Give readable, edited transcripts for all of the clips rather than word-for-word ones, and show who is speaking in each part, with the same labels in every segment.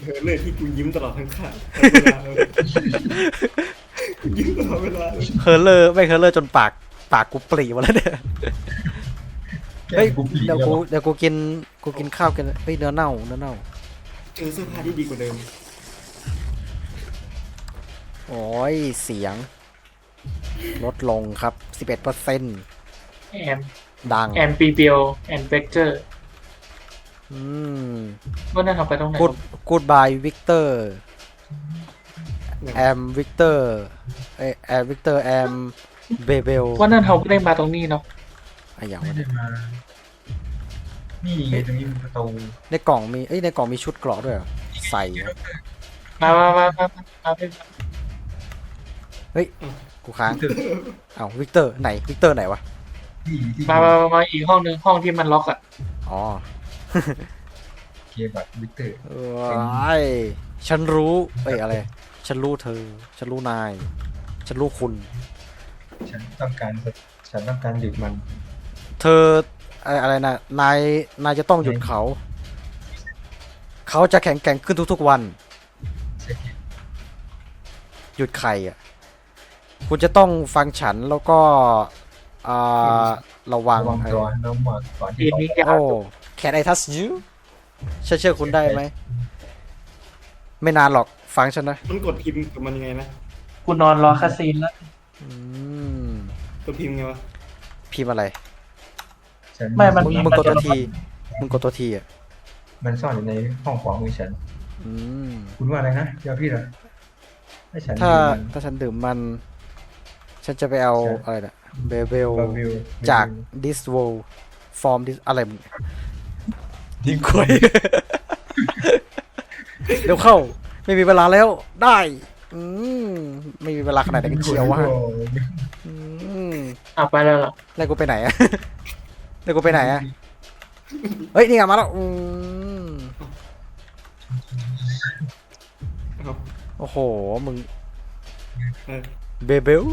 Speaker 1: เธอเลยที่กูยิ้มตลอดทั้งเวลาเลยกูยิ้มตลอดเวลาเลย
Speaker 2: เฮอร์เลอร์ไม่เฮอร์เลอร์จนปากกูปรีหมดแล้วเนี่ย
Speaker 3: แก
Speaker 2: เฮ้ย
Speaker 3: กูผี
Speaker 2: เดี๋ยว
Speaker 3: แล้ว
Speaker 2: กูกินข้าวกันเฮ้ยเนื้อเน่า
Speaker 1: เจอเสื้อผ้าที่ดีกว่าเดิม
Speaker 2: โอ้ยเสียงลดลงครับ 11%
Speaker 4: แอม
Speaker 2: ดัง
Speaker 4: แอมปีเบียวแอมเวกเจอร์
Speaker 2: อืม
Speaker 4: ว่านั่นเอาไปตรงไหน
Speaker 2: กูดบายวิกเตอร์แอมวิกเตอร์แอมวิกเตอร์แอมเบเบล
Speaker 4: ว่านั่นเขาไม่ได้มาตรงนี้เนาะ
Speaker 2: อะไรอย่าง
Speaker 3: ไม่
Speaker 2: วะ
Speaker 3: ได้มานี่ไงตรงนี้มันประตู
Speaker 2: ในกล่องมีในกล่องมีชุดเกราะด้วยเหรอใส่วะ
Speaker 4: มาเป็น
Speaker 2: เฮ้ยกูค้างเอ้าวิกเตอร์ไหนวิกเตอร์ไหนวะ
Speaker 3: ที่
Speaker 4: มาอีกห้องนึงห้องที่มันล็อกอ่ะ
Speaker 2: อ๋อ
Speaker 3: เกมแบบวิกเตอร์
Speaker 2: ฉันรู้อะไร ฉันรู้เธอ ฉันรู้นาย ฉันรู้คุณ
Speaker 3: ฉันต้องการหยุดมัน
Speaker 2: เธออะไรนะนายจะต้องหยุดเขา เขาจะแข็งแกร่งขึ้นทุกๆวัน หยุดใครอ่ะ คุณจะต้องฟังฉันแล้วก็อ่าระวัง
Speaker 3: ระวังตัวน้องหมดก่อน
Speaker 4: ที
Speaker 3: ที่
Speaker 4: นี้ยา
Speaker 2: โอ้
Speaker 4: ว
Speaker 2: Can I touch you ฉันเชื่อคุณได้ไหม ไม่นานหรอกฟังฉันนะ
Speaker 1: มันกดพิมพ์กับมันยังไงนะ
Speaker 4: กูนอนรอคาซีนแล้ว
Speaker 2: อืม
Speaker 1: กดพิมพ์ไงวะ
Speaker 2: พิมพ์อะไร
Speaker 3: ฉัน
Speaker 4: ไม่มัน
Speaker 2: มึงกดตัวทีมึงกดตัวทีอ่ะ
Speaker 3: มันซ่อนอยู่ในห้องขวามือฉัน
Speaker 2: อืม
Speaker 3: คุณว่าอะไรนะเดี๋ยวพี่เหรอให้ฉัน
Speaker 2: ถ้าฉันดื่มมัน ฉันจะไปเอาอะไรนะเบเบล
Speaker 3: บาวิว
Speaker 2: จาก this world from this อะไรมึงยิงควย เดี๋ยวเข้า ไม่มีเวลาแล้วได้ อืมไม่มีเวลาขนาดไหนกันเชียววะอืม
Speaker 4: เอาไปแล้วเหรอ
Speaker 2: แล้วกูไปไหนอะ แล้วกูไปไหนอะเฮ้ยนี่ไงมาแล้วอืม
Speaker 1: เอา
Speaker 2: โอ้โหมึง
Speaker 1: เออ
Speaker 2: เบเบล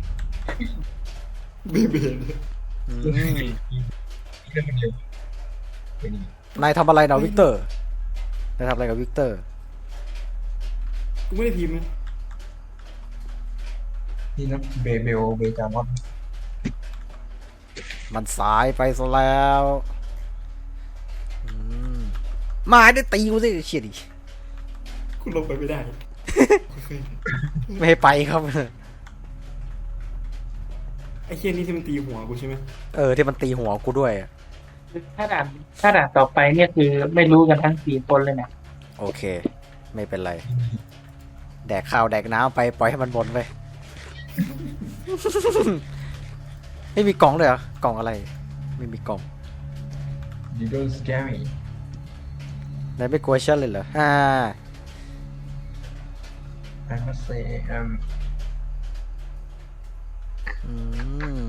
Speaker 1: เบเบน
Speaker 2: อืม
Speaker 3: เรื่องมันเร็วไปนี่
Speaker 2: นายทำอะไรนะวิกเตอร์นายทำอะไรกับวิกเตอร์
Speaker 1: กูไม่ได้พิมพ์นะ
Speaker 3: นี่นะเบลเบจามอน
Speaker 2: มันสายไปซะแล้วอืมมาได้ตีกูสิเฉียดดิ
Speaker 1: กูลงไปไม่ได้
Speaker 2: ไม่ให้ไปครับ
Speaker 1: ไอ้เคียนี่ที่มันตีหัวกูใช่ไหม
Speaker 2: ที่มันตีหัวกูด้วยอะ
Speaker 4: ถ้าด่านต่อไปเนี่ยคือไม่รู้กันทั้งสี่คนเลยนะ
Speaker 2: โอเค ไม่เป็นไร แดกข้าวแดกน้ำไปปล่อยให้มันบนไป ไม่มีกล่องเลยเหรอกล่องอะไร ไม่มีกล่อง
Speaker 3: You don't scare me
Speaker 2: นายไม่กลัวฉันเลยเหรอ
Speaker 3: I must say
Speaker 2: อืม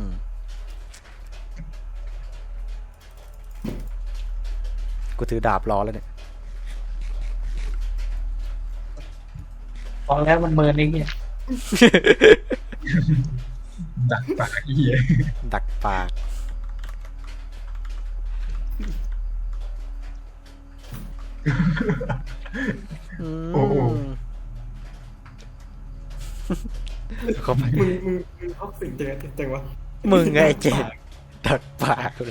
Speaker 2: กูถือดาบรอแล้วเนี่ย
Speaker 4: บอกแล้วมันเมินไอ้เนี่ย
Speaker 3: ดักปากเหี้ย
Speaker 2: ดักปาก
Speaker 3: โอ้โห
Speaker 2: เข้าไป
Speaker 1: มึงท็อกซิกจังวะ
Speaker 2: มึงไงไอ้เจดดักปากเลย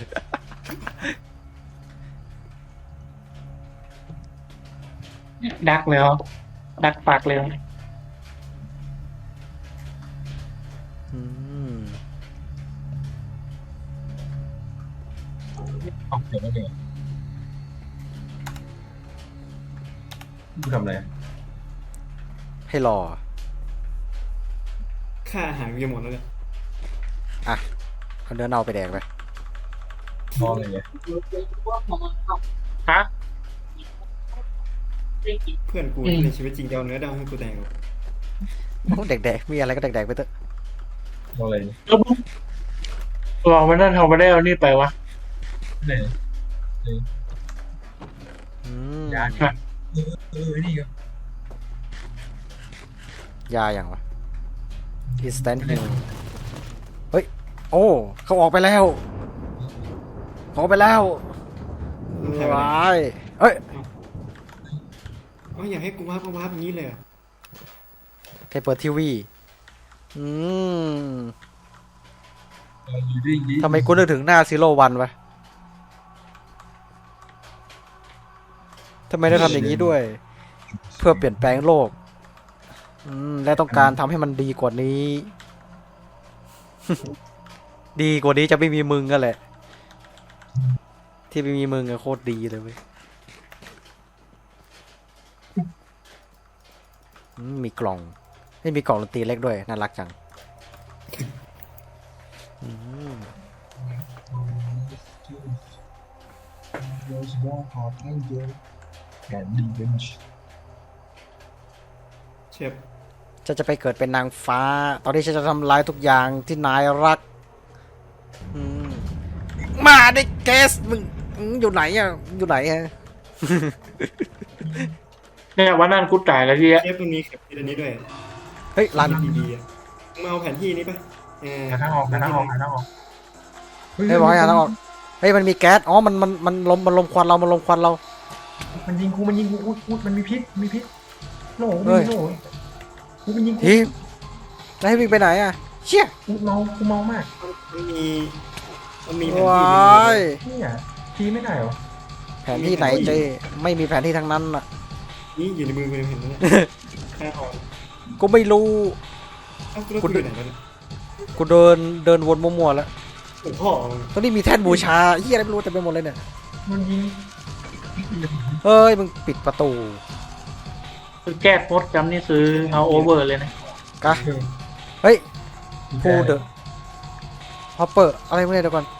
Speaker 4: ดักแล้วดักปากเลย
Speaker 2: อืม
Speaker 3: เอาเดี๋ยวไม่เดี๋ยวกูทำอะไร
Speaker 2: ให้รอ
Speaker 1: ค่าอาหารกูจะหมดแล้วเนี่ย
Speaker 2: อ่ะเอาเนื้อเน่าไปแดกไป
Speaker 3: มองเลยเนี่ย
Speaker 4: ฮะ
Speaker 1: เพื่อนกูในชีวิตจริงจะเอาเนื้อดำให้กูแดงหรอ
Speaker 2: โอ้แดกๆมีอะไรก็แดกๆไปเถอะ
Speaker 3: มองอะไรเนี่ย
Speaker 4: บอกมันนั่นเขาไม่ได้เอานี่ไปวะ
Speaker 3: เนี่ย
Speaker 2: อืม
Speaker 3: ยานี่ก็
Speaker 2: ยาอย่างวะ instant heal เฮ้ย โอ้ เขาออกไปแล้วเขาออกไปแล้ว
Speaker 1: ใช่ไหม
Speaker 2: ว้ายเอ้ย
Speaker 1: อ๋ออยากให้กูวาร์ปก็วาร์ปอย่างนี้เลยอะ
Speaker 2: ใครเปิดทีวีอืม
Speaker 3: อยู่ด้วยดี
Speaker 2: ทำไมกูนึกถึงหน้าซีโร่วันวะทำไมได้ทำอย่างนี้ด้วย เพื่อเปลี่ยนแปลงโลกและต้องการทำให้มันดีกว่านี้ ดีกว่านี้จะไม่มีมึงกันแหละ ที่ไม่มีมึงอะโคตรดีเลยเว้ยมีกล่องไม่มีกล่องดนตรีเล็กด้วยน่ารักจังอืม
Speaker 3: โรสบอลฮอตแอนเจลแอนดี้เบนช์
Speaker 1: เชฟ
Speaker 2: ฉันจะไปเกิดเป็นนางฟ้า ตอนนี้ฉันจะทำลายทุกอย่างที่นายรักอืมมาได้เกสมึงอยู่ไหนอ่ะอยู่ไหนฮะ
Speaker 4: เนี่ยวันนั้นกูจ่ายแล้วที่
Speaker 1: เชฟตรงนี้เก็บที่อันนี้ด้วย
Speaker 2: เฮ้ยรัน
Speaker 1: ดีๆอ่ะมึงมาเอาแผนที่นี้ไป
Speaker 3: หาทางออกหาทางออกหาทางออก
Speaker 2: เฮ้ยบอกให้หาทางออกเฮ้ยมันมีแก๊สอ๋อมันลมควันเรามันลมควันเรา
Speaker 3: มันยิงกูอุ๊ยมันมีพิษโหน่
Speaker 2: เฮ้ย
Speaker 3: โหน่กูมันยิงกู
Speaker 2: ทีมจะให้วิ่งไปไหนอ่ะเชี่ย
Speaker 3: กูเมามาก
Speaker 1: มันมีแผนที่
Speaker 2: ว้า
Speaker 1: หนึ่ง
Speaker 2: ย
Speaker 3: เนี่ยทีไม่ได้เหรอ
Speaker 2: แผนที่ไหนเจไม่มีแผนที่ทั้งนั้นอ่ะ
Speaker 1: นี่อยู่ในมือกูเห็นไหมเนี่ยแค่ออก
Speaker 2: กูไม่รู้
Speaker 1: เอ้ากูรู้กูอยู่ไหนแล้วเนี่ย
Speaker 2: กูเดินวนมั่วๆแล้ว
Speaker 1: หลวงพ่อ
Speaker 2: ตอนนี้มีแท่นบูชาเฮียอะไรไม่รู้เต็มไปหมดเลยเนี่ย
Speaker 3: มันยิง
Speaker 2: เฮ้ยมึงปิดประตู
Speaker 4: คือแก้โพสต์จำนี่ซื้อเอาโอเวอร์เลยนะ
Speaker 2: กะเฮ้ยพูดเดอะฮอปเปอร์อะไรพวกนี้เดี๋ยวก่อน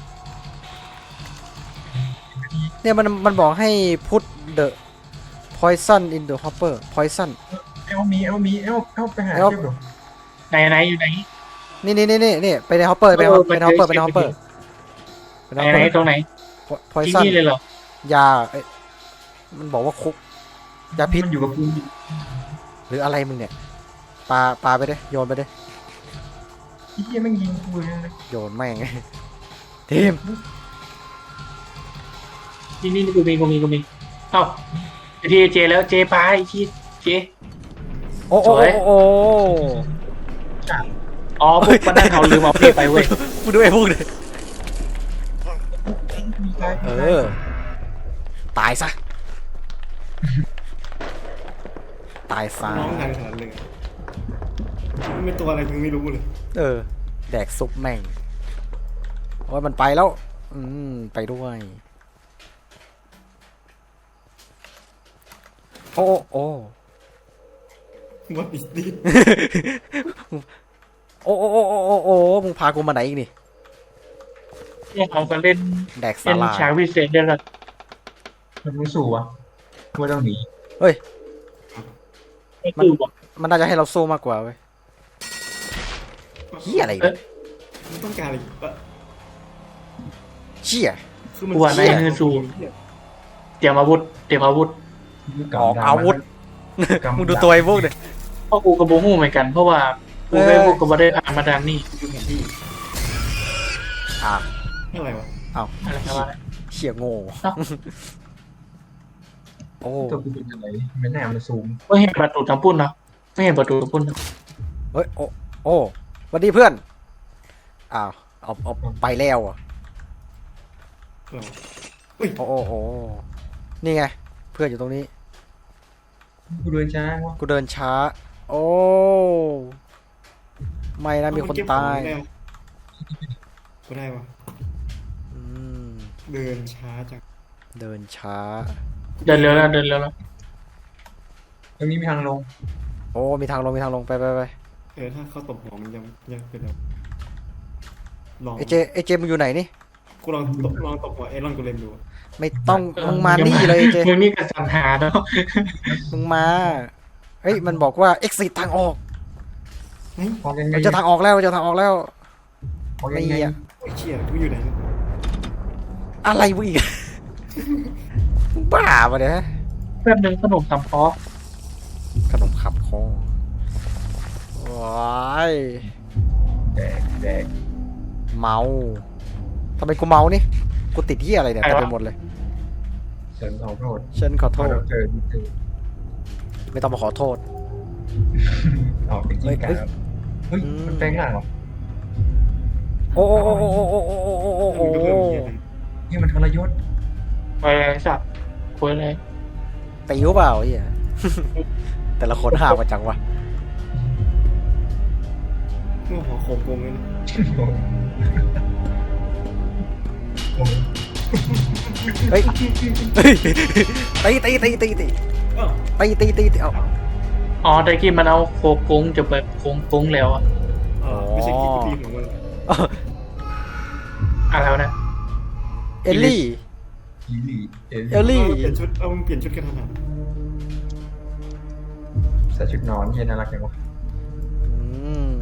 Speaker 2: เนี่ยมันบอกให้พุทเดอะ poison in the hopper poison
Speaker 3: เอลไปหา
Speaker 2: เอล
Speaker 3: เทียบดู
Speaker 4: ไหนอยู่ไหน
Speaker 2: นี่ไปในฮอปเปอร์ไปในฮอปเปอร์ไปในฮอปเปอร์
Speaker 4: ไหนตรงไหนที่
Speaker 2: poison
Speaker 4: นี่เลยเหรอย
Speaker 2: าเอ้ยมันบอกว่าคุกยาพิษ
Speaker 3: มันอยู่กับกู
Speaker 2: หรืออะไรมึงเนี่ยปาไปดิโยนไปดิ
Speaker 3: ไอ้เหี้ยแม่งยิงกูเลยนะ
Speaker 2: โยนแม่ง ทีม
Speaker 4: นี่กูมีเอ้าทีเจแล้วเจไปที่เจ
Speaker 2: โอ้
Speaker 4: สวย
Speaker 2: โอ้
Speaker 4: อ๋อพวกมันนั่งเขาลืมเอาเพลไปเว้ย
Speaker 2: กูดูไอ้พวกเลย
Speaker 3: มีตาย
Speaker 2: เออ ตายซะ ตายซะ
Speaker 1: น้องทางขนาดเลยมันเป็นตัวอะไรมึงไม่รู้เลย
Speaker 2: เออ แดกซุปแม่ง โอ้ยมันไปแล้ว ไปด้วย โอ้
Speaker 1: What is this
Speaker 2: โอ้มึงพากูมาไหนอีกนี่
Speaker 4: เนี่ยเขาก็เล่น
Speaker 2: แดก
Speaker 4: เป็
Speaker 2: สาน ลาย
Speaker 4: ฉากพิเศษได้ละ
Speaker 3: มันรู้สู่วะว่าต้องหนี
Speaker 2: เฮ้ย
Speaker 4: ไม่คือบอก
Speaker 2: มันน่าจะให้เราสู้มากกว่าเว้ยเฮียอะไรเนี่ย
Speaker 1: มันต้องการอะไรวะ
Speaker 2: เชี่ย
Speaker 1: คือมัน
Speaker 4: กลัวในมือสูเตรียมอาวุธ
Speaker 2: ออกอาวุธ มึงดูตัวไอ้พวกเนี่ย
Speaker 4: เพราะกูกับโบหูเหมือนกัน เพราะว่ากูไม่พวกก็ไม่ได้ผ่านมาดังนี่
Speaker 1: ดูแผนที่
Speaker 2: อ่ะ
Speaker 1: อะไรวะ
Speaker 4: อะไรครับว่า
Speaker 2: เชี่ยโง่ โอ้
Speaker 3: ตัวกูเป็นอะไรไม่แน่มันซูม
Speaker 4: ไม่เห็นประตูทำปุ้นเนาะไม่เห็นประตูทำปุ้นเนาะ
Speaker 2: เฮ้ย โอ้สวัสดีเพื่อน อ้าว เอาไปแล้วอ่ะ
Speaker 1: อะไรวะอุ้ย
Speaker 2: โอ้ นี่ไง เพื่อนอยู่ตรงนี้
Speaker 3: กูเดินช้าวะ
Speaker 2: กูเดินช้า โอ้ ไม่นะมีคนตาย
Speaker 1: ก็ได้วะ
Speaker 2: อืม
Speaker 1: เดินช้าจัง
Speaker 2: เดินช้า
Speaker 4: เดินเร็วแล้ว
Speaker 3: ตรงนี้มีทางลง
Speaker 2: โอ้ มีทางลงไป
Speaker 1: ถ้าเขาตบหัวมันยังเป็นแบบลอง
Speaker 2: เอเจมึงอยู่ไหนนี่
Speaker 1: กูลองตบหัวไอรอนกูเลมดูอะ
Speaker 2: ไม่ต้อง มึงมานี่เลยเอเจ
Speaker 4: มึงนี่กันสัญหาเนาะ
Speaker 2: มึงมา เฮ้ย มันบอกว่า exit ทางออก
Speaker 3: พอยังไง
Speaker 2: มันจะทางออกแล้ว
Speaker 3: พอ
Speaker 2: ไม่
Speaker 3: ยังไง
Speaker 2: อะ
Speaker 1: โอ้ยเชี่ยกูอยู่ไหนเนี่ย
Speaker 2: อะไรวะอีก มึงบ้าปะเนี่ย
Speaker 4: แป๊บนึงขนมตำพอ
Speaker 2: ขนมขับคอว้าย
Speaker 3: แดก
Speaker 2: เมาทำไมกูเมานี่ กูติดที่อะไรเนี่ยเต็มไปหมดเลย
Speaker 3: ฉันขอโทษ
Speaker 2: ฉันขอโทษ
Speaker 3: เจอ
Speaker 2: ไม่ต้องมาขอโทษ
Speaker 3: ออกเป็นกิ้งก่าครับเฮ้ยมันแปลงร่างเหรอ
Speaker 2: โอ้โอ้โอ้โอ้โอ้โอ้โอ้โอ้โอ้โอ้
Speaker 3: นี่มันทรยศ
Speaker 4: ไปเลยสัตว์คุยเลย
Speaker 2: ตีหรือเปล่าไอ้เหี้ย แต่ละคนห่าวกันจังวะ
Speaker 1: เมื่อหัวโขกโกงเลยนะ
Speaker 3: โอ้โห
Speaker 2: เฮ้ยเฮ้ยตี
Speaker 1: อ้าว
Speaker 2: ตีเอา
Speaker 4: อ๋อตะกี้มันเอาโคกุ้งจะแบบโค้งแล้วอะ
Speaker 1: ไม่ใช่คิดดีของมัน
Speaker 4: อะไรวะนะ
Speaker 2: เอลลี่
Speaker 3: อีลี่
Speaker 2: เอลลี่
Speaker 1: เปลี่ยนชุดเอามึงเปลี่ยนชุดกันขนาด
Speaker 3: ใส่ชุดนอนเฮียน่ารักจังวะ
Speaker 2: อืม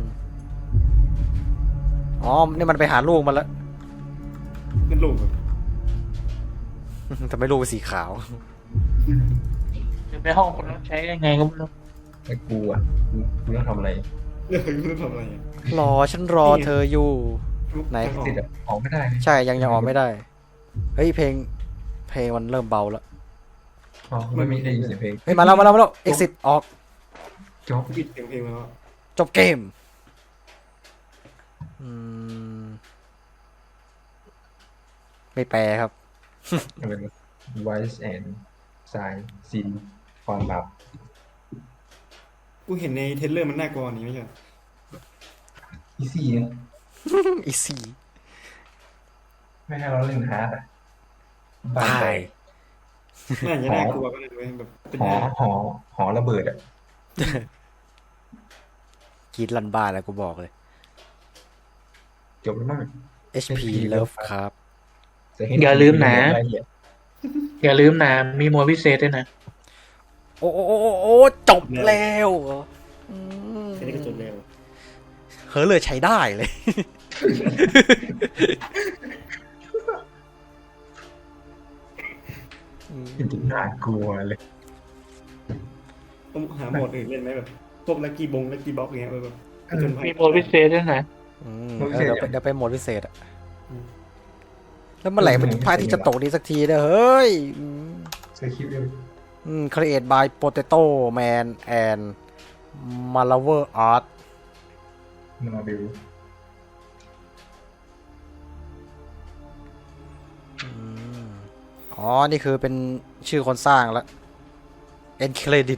Speaker 2: อ๋อ นี่มันไปหาลูกมันแล้ว
Speaker 1: นั่นลูกแบบ
Speaker 2: แต่ไม่ลูกเป็นสีขาว
Speaker 4: อยู่ในห้องคนต้องใช้ยังไงก็ไม่รู้
Speaker 3: ไอ้กูอ่ะกูต้องทำอะไร
Speaker 1: เรื่องไม่รู้ทำอะไรอ่ะ
Speaker 2: ฉันรอเธออยู่ ไหน
Speaker 3: ติดอ่ะออกไม่ได้เลย
Speaker 2: ใช่ยังออกไม่ได้ เฮ้ยเพลงมันเริ่มเบาแล้ว
Speaker 3: อ๋อไม่มีได้ยินเสียงเพลง
Speaker 2: เฮ้ยมาแล้ว exit ออก
Speaker 3: จ๊อบ
Speaker 1: ปิดเสียงเพลงไปแล้ว
Speaker 2: จบเกม อืม ไม่แปลครับ
Speaker 3: เป็น voice and sign sin ความลับ
Speaker 1: กูเห็นในเทรลเลอร์มันน่ากลัวนี่ไม่ใช่
Speaker 3: อีซี่นะ
Speaker 2: อีซี่
Speaker 3: ไม่ให้เราเล่นฮาร์ดอ่ะ
Speaker 2: ตาย
Speaker 1: น่าจะน่ากลัวก็เลยเว้ยแบบเป็น
Speaker 3: หอระเบิดอ่ะ
Speaker 2: กรีดลันบ้านแล้วกูบอกเลย
Speaker 3: จบแล้วมั้ง
Speaker 2: HP Love ครับ
Speaker 4: อย่าลืมนะ มีโมพิเศษด้วยนะ
Speaker 2: โอ้จบแล้วอืม
Speaker 1: แค่นี้ก็จบแล้ว
Speaker 2: เฮ้ยเลยใช้ได้เลย
Speaker 3: น่ากลัวเลย
Speaker 1: ต้องหาโหมดอื่นเล่นไหมแบบพวกลักกี้บ็อกเงี้ยแบบจนภัย
Speaker 4: มีโมพิเศษด้วยนะ
Speaker 2: เดี๋ยวไปโหมดพิเศษอะแล้วเมื่อไหร่มันพายที่จะตกดีสักทีเนี่ยเฮ้ย
Speaker 3: เคยคิดเลย
Speaker 2: Create by Potato Man and Malaver Art
Speaker 3: มาบิว
Speaker 2: อ๋อ นี่คือเป็นชื่อคนสร้างแล้ว End Credit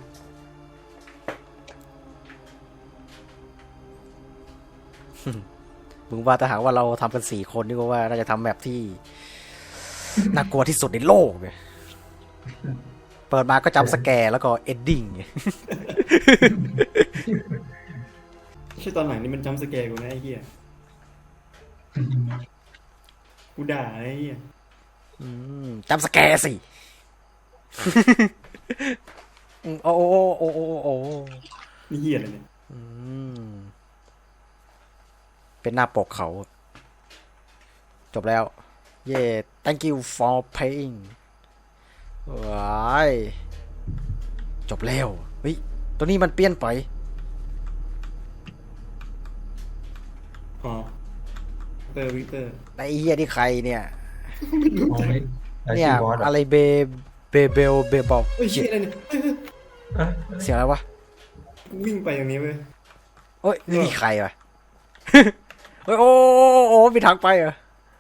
Speaker 2: มึงว่าถ้าหากว่าเราทำกัน4 คนนี่ก็ว่าน่าจะทำแบบที่ น่ากลัวที่สุดในโลกเลยเปิดมาก็จำสแกร์แล้วก็ Ending
Speaker 1: ใช่ตอนไหนนี่มันจำสแกร์กูนะไอ้เหี้ยกูด่าไอ้เหี้ย
Speaker 2: จำสแกร์สิ โอ้โอ้
Speaker 1: นี่เหี้ยอะไรเนี่ย
Speaker 2: เป็นหน้าปกเขา จบแล้ว เย้ thank you for paying ว้ายจบแล้ว เฮ้ย ตัวนี้มันเปลี่ยนไป
Speaker 1: อ๋อวิกเตอร์
Speaker 2: ไอ้เฮียที่ใครเนี่ย
Speaker 1: ไม่รู้จัก
Speaker 2: เนี่ย อะไรเบลบอก
Speaker 1: เฮ้ยเชี่ยอะไรเนี่ยเฮ้ย
Speaker 2: เสียงอะไรวะ
Speaker 1: กูวิ่งไปอย่างนี้เว้ย
Speaker 2: เฮ้ย นี่ใครวะ เฮ้ย โอ้มีทางไปเหรอ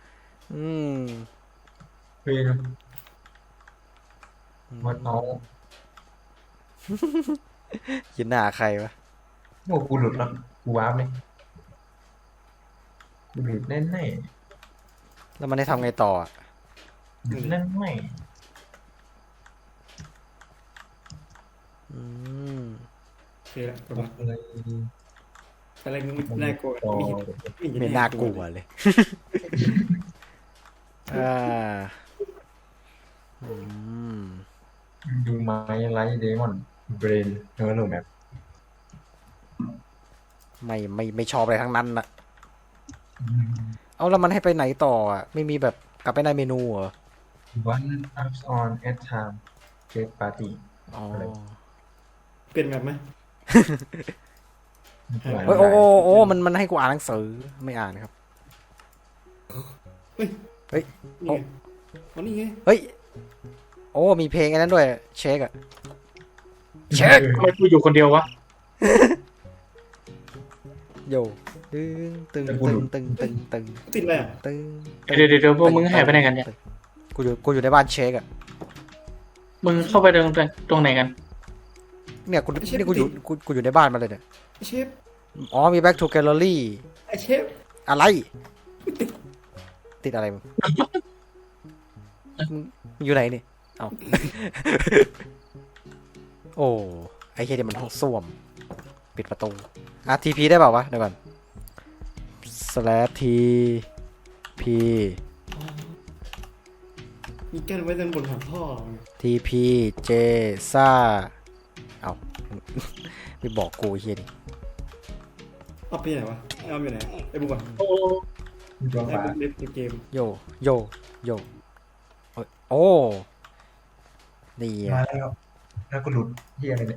Speaker 3: เพลงมันเอา
Speaker 2: ยินหน้าใครวะ
Speaker 3: โอ้กูหลุดแล้วกูวาร์ปเลยกูหลุดแน่แน่
Speaker 2: แล้วมันได้ทำไงต่ออะ
Speaker 3: หลุดแน่แน่
Speaker 1: โอเคละประมาณ
Speaker 3: อะไร
Speaker 1: อะไรมึงน่ากลัวไม่เห็น
Speaker 2: ไม่น่ากลัวเลย
Speaker 3: ดูไม้ไลท์เดมอนเบรนเนอร์โนแมป
Speaker 2: ไม่ชอบอะไรทั้งนั้นน่ะ เอาแล้วมันให้ไปไหนต่ออ่ะ ไม่มีแบบกลับไปในเมนูเหรอ
Speaker 3: one ups on at time get party
Speaker 2: อ๋อ
Speaker 1: เปลี่ยนแบบไหม
Speaker 2: เฮ้ยโอ้มันให้กูอ่านหนังสือไม่อ่านครับ เฮ้ย
Speaker 1: นี่ไงอ๋อนี่ไง
Speaker 2: เฮ้ย โอ้มีเพลงอันนั้นด้วยเช็คอะเช็ค
Speaker 4: ทำไมกูอยู่คนเดียววะ
Speaker 2: โยตึงตึงตึงตึงตึง
Speaker 1: ติดอะไรอ่ะ
Speaker 2: ตึง
Speaker 4: เดี๋ยวพวกมึงหายไปไหนกันเนี่ย
Speaker 2: กูอยู่ในบ้านเช็คอะ
Speaker 4: มึงเข้าไปตรงไหนกัน
Speaker 2: เนี่ยกูอยู่ในบ้านมาเลยเนี่ย
Speaker 1: ไอเชฟ
Speaker 2: อ๋อมี back to gallery
Speaker 1: ไอเชฟ
Speaker 2: อะไร ติดอะไรมึงอยู่ไหนนี่เอา โอ้ไอ้เหี้ยนี่มันห้องส้วม ปิดประตูTP ได้เปล่าวะเดี๋ยวก่อน /TP
Speaker 1: มีแก้วไว้ด้านบนหางท่อ
Speaker 2: TP J ซ่าเอา ไม่บอกกูไอ้เหี้ยนี่
Speaker 1: เอาไปไหนวะเอาไปไหนไอ้บุกก่อน
Speaker 4: โอ้
Speaker 3: มีตัว
Speaker 1: ไอ้
Speaker 3: ฟ้า
Speaker 1: บุกเล่นเกม
Speaker 2: โยโยโยเอ้ยโอ้นี่
Speaker 3: มา
Speaker 2: อะ
Speaker 3: แล้วก็หลุดเฮียอะไรเนี่ย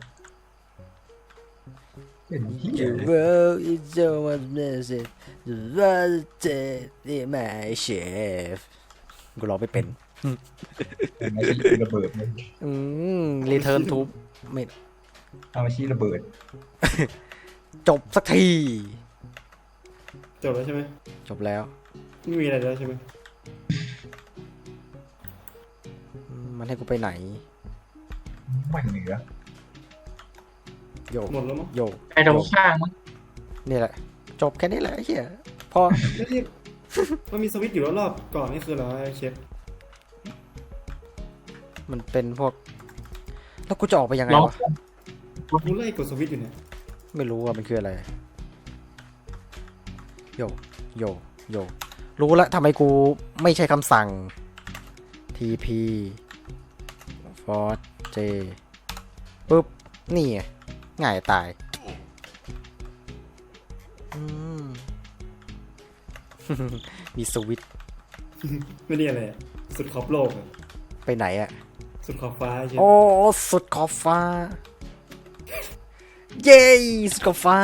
Speaker 3: เป็นเฮีย
Speaker 2: You
Speaker 3: เลย
Speaker 2: wrote it so much message You wrote it in my chef กูร้องไม่เป็น
Speaker 3: มาชี้ระเบิดเลย
Speaker 2: Return to ไม่
Speaker 3: เอามาชี้ระเบิด
Speaker 2: จบสักที
Speaker 1: จบแล้วใช่ไหม
Speaker 2: จบแล้ว
Speaker 1: ไม่มีอะไรแล้วใช่ไหม
Speaker 2: มันให้กูไปไหน
Speaker 3: ไม่เหนือ
Speaker 2: โย
Speaker 1: หมดแล้วมั้ง
Speaker 2: โย
Speaker 4: ไอ้ตรงข้างมั้ง
Speaker 2: นี่แหละ จบแค่นี้แหละไอ้เหี้ยพอ
Speaker 1: ไม่ใช่มันมีสวิตช์อยู่รอบๆก่อนนี่คืออะไรวะไอ้เชฟ
Speaker 2: มันเป็นพวก แล้วกูจะออกไปยังไง
Speaker 4: ลอง
Speaker 2: วะ
Speaker 1: กูไล่กดสวิตช์อยู่เนี่ย
Speaker 2: ไม่รู้ว่ามันคืออะไร โยโยโยรู้แล้วทำไมกูไม่ใช้คำสั่ง TP Force J ปุ๊บ นี่ไงง่ายตายอืม มีสวิตช์
Speaker 1: ไม่ได้อะไรอะสุดขอบโลกอะ
Speaker 2: ไปไหนอะ
Speaker 1: สุดขอบฟ้าไอ้เชฟ
Speaker 2: โอ้ สุดขอบฟ้า เย้สุดขอบฟ้า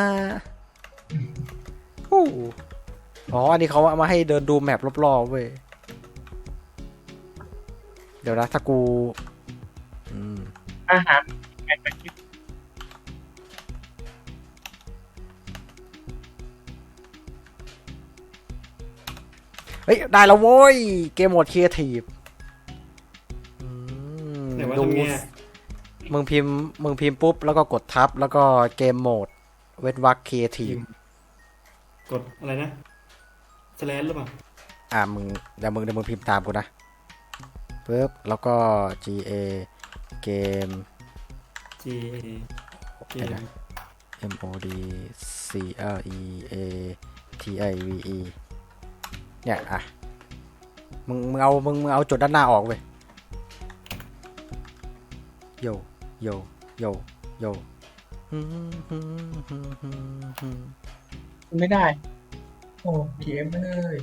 Speaker 2: โอ้อ๋อ อันนี้เขาเอามาให้เดินดูแมปรอบๆเว้ย เดี๋ยวนะ ถ้ากูอืม
Speaker 4: อาหาร
Speaker 2: เฮ้ย ได้แล้วโว้ย เกมโหมดครีเอทีฟ
Speaker 1: ไหนว่า
Speaker 2: ดู
Speaker 1: ทำไงอะ
Speaker 2: มึงพิมพ์ปุ๊บ แล้วก็กดทับ แล้วก็เกมโหมด เวทวักครีเอทีฟ
Speaker 1: กดอะไรนะสแลนหรือเปล่า
Speaker 2: เดี๋ยวมึงพิมพ์ตามกูนะปุ๊บ แล้วก็ GA เกม
Speaker 1: G A เกม
Speaker 2: MOD CREATIVE เนี่ยอ่ะมึงเอาจุดด้านหน้าออกเว้ยโยโยโยโย
Speaker 4: ไม่ได้
Speaker 3: โอ้เกมเลย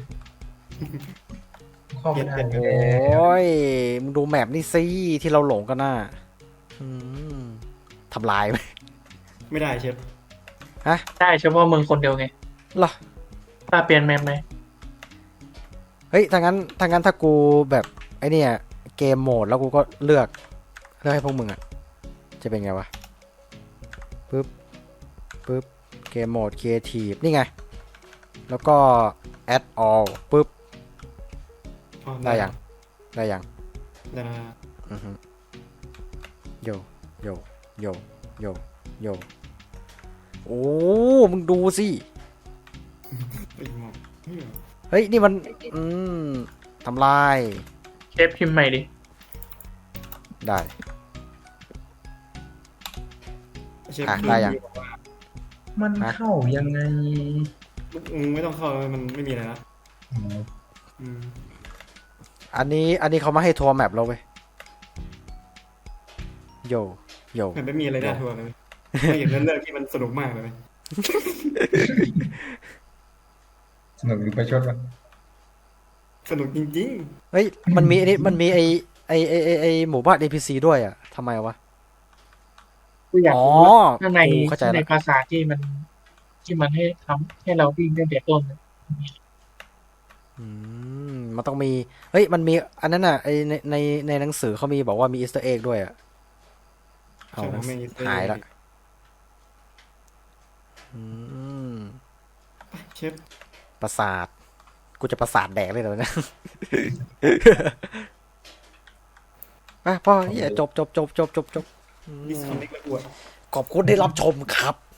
Speaker 3: เข้าไม่ได้
Speaker 1: เปลี่ยน
Speaker 2: โอ้ยมึงดูแมปนี่สิที่เราหลงกันน่ะทำลายไหม
Speaker 1: ไม่ได้เชฟ
Speaker 4: ได้เฉพาะมึงคนเดียวไง
Speaker 2: เหรอ
Speaker 4: ป้าเปลี่ยนแมปไหม
Speaker 2: เฮ้ยถ้างั้นถ้ากูแบบไอเนี่ยเกมโหมดแล้วกูก็เลือกให้พวกมึงอ่ะจะเป็นไงวะปึ๊บเกมโหมดครีเอทีฟนี่ไงแล้วก็ add all ปึ๊บ
Speaker 1: อ๋อ
Speaker 2: ได้ยัง
Speaker 1: ได้นะ
Speaker 2: อือฮึโยโยโยโยโยโอ้มึงดูสิ
Speaker 1: ไอ้หมอกอืม
Speaker 2: เฮ้ยนี่มันทำลาย
Speaker 4: เชฟพิมพ์ใหม่ดิ
Speaker 2: ได้
Speaker 1: เชฟ
Speaker 2: ได้ยัง
Speaker 3: มันเข้ายังไง
Speaker 1: ไม่ต้องเข้ามันไม่มีอะไรนะ
Speaker 3: อ๋อ
Speaker 1: อืม
Speaker 2: อันนี้เขามาให้ทัวร์แมปเราเว้ยโยโย
Speaker 1: มันไม่มีอะไรน่าทัวร์เลยไม่อย่างนั้นเรื่องที่มันสนุกมากเลย
Speaker 3: สนุกหรือไปชดวะ
Speaker 1: สนุกจริง
Speaker 2: เฮ้ยมันมีไอหมู่บ้าน NPC ด้วยอ่ะทำไมวะ
Speaker 4: กูอยาก
Speaker 2: อ๋อ
Speaker 4: รู้ว่าข้างใน
Speaker 2: กูเข้าใจ
Speaker 4: ใน
Speaker 2: ละ
Speaker 4: ภาษาที่มันให้ทำให้เราวิ่งตั้งแต่ต้นน่ะ
Speaker 2: มันต้องมีเฮ้ยมันมีอันนั้นอ่ะไอในหนังสือเขามีบอกว่ามีอีสเตอร์เอ็กด้วยอ่ะเอา
Speaker 1: ช่างแม่งอีเต้
Speaker 2: หายละอืม
Speaker 1: เชฟ
Speaker 2: ประสาท กูจะประสาทแดกเลยเหรอนะอ่ะพ่อเหี้ยจบ
Speaker 1: ดิสคอนเนคแล้วกูอะ
Speaker 2: ขอบคุณที่รับชมครับ